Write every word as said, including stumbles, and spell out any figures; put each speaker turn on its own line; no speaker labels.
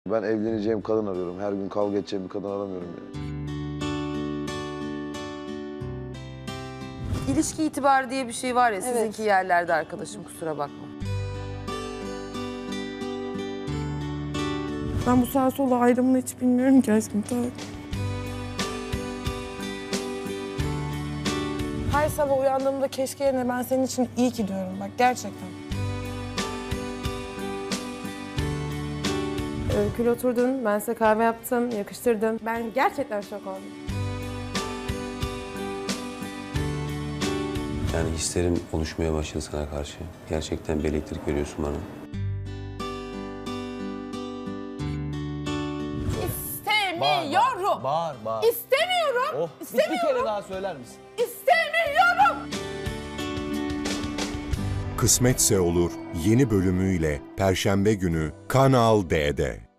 Ben evleneceğim kadın arıyorum. Her gün kavga edeceğim bir kadın aramıyorum yani.
İlişki itibarı diye bir şey var ya,
Evet.
sizinki yerlerde arkadaşım, kusura bakma.
Ben bu sağ sola ayrımını hiç bilmiyorum ki aşkım. Tamam. Her sabah uyandığımda keşke yerine ben senin için iyi ki diyorum. Bak gerçekten.
Öykül oturdun, ben size kahve yaptım, yakıştırdım.
Ben gerçekten şok oldum.
Yani hislerim oluşmaya başladı sana karşı. Gerçekten bir elektrik veriyorsun bana.
İstemiyorum.
Bağır, bağır.
İstemiyorum.
Oh, bir, bir kere daha söyler misin?
İstemiyorum.
Kısmetse Olur yeni bölümüyle Perşembe günü Kanal D'de.